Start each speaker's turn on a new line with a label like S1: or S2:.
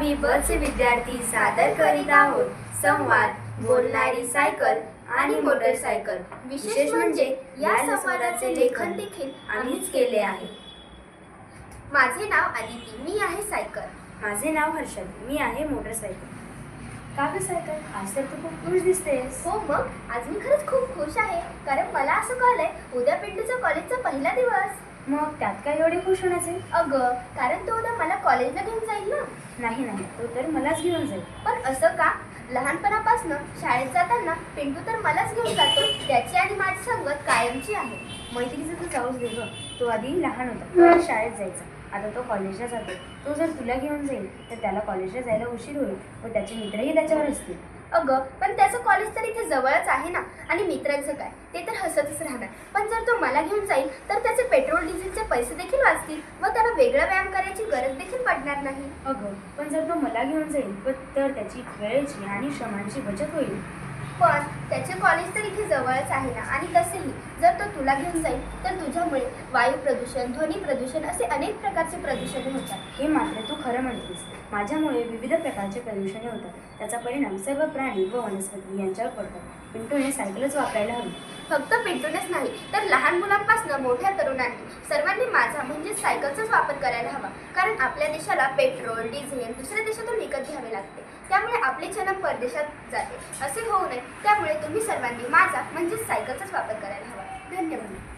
S1: आम्ही बसचे विद्यार्थी सादर करीत आहोत संवाद बोलणारी सायकल आणि मोटरसायकल। विशेष म्हणजे या संवादाचे लेखन देखील आम्हीच केले आहे।
S2: माझे नाव आदिती, मी आहे सायकल।
S1: माझे नाव हर्षद, मी आहे मोटरसायकल। का ग सायकल, आज तर तू खूप खुश दिसतेस।
S2: हो मग, आज मी खरंच खूप खुश आहे, कारण मला असं कळलंय उद्या पिंटूचा कॉलेजचा पहिला दिवस।
S1: मग त्यात काय एवढे खुश होण्याचे?
S2: अगं, कारण तो उद्या मला कॉलेजला घेऊन जाईल ना।
S1: नाही, तो तर मलाच घेऊन जाईल।
S2: पण असं का? लहानपणापासून शाळेत जाताना पिंटू तर मलाच घेऊन जातो, त्याची आणि माझी संगत कायमची आहे।
S1: मैत्रीचं तू जाऊच दे ग, तो आधी लहान होता, शाळेत जायचा, आता तो कॉलेजला जातो। तो जर तुला घेऊन जाईल तर त्याला कॉलेजला जायला उशीर होईल व त्याचे मित्रही त्याच्यावर असतील।
S2: अगं, पण त्याचं कॉलेज तर इथे जवळच आहे ना, आणि मित्रांचं काय, ते तर हसतच राहणार। पण जर तो मला घेऊन जाईल तर त्याचे पेट्रोल डिझेलचे पैसे देखील वाचतील व त्याला वेगळा व्यायाम करायची गरज देखील पडणार नाही।
S1: अगं, पण जर तो मला घेऊन जाईल तर त्याची वेळेची आणि श्रमांची बचत होईल।
S2: पण त्याचे कॉलेज तर इथे जवळच आहे ना, आणि तसेही जर तो तुला घेऊन जाईल तर तुझ्यामुळे वायू प्रदूषण, ध्वनी प्रदूषण असे अनेक प्रकारचे प्रदूषण होतात।
S1: हे मात्र तू खरं म्हणतेस, माझ्यामुळे विविध प्रकारचे प्रदूषणे होतात, त्याचा परिणाम सर्व प्राणी व वनस्पती यांच्यावर पडतात। पिंटूने सायकलच वापरायला हवी।
S2: फक्त पिंटूनेच नाही तर लहान मुलांपासून मोठ्या तरुणांनी सर्वांनी माझा म्हणजे सायकलचाच वापर करायला हवा, कारण आपल्या देशाला पेट्रोल डिझेल दुसऱ्या देशातून विकत घ्यावे लागते, त्यामुळे आपले जन्म परदेशात जाते, असे होऊ नये। त्यामुळे तुम्ही सर्वांनी माझा म्हणजे सायकलचाच वापर करायला हवा। धन्यवाद।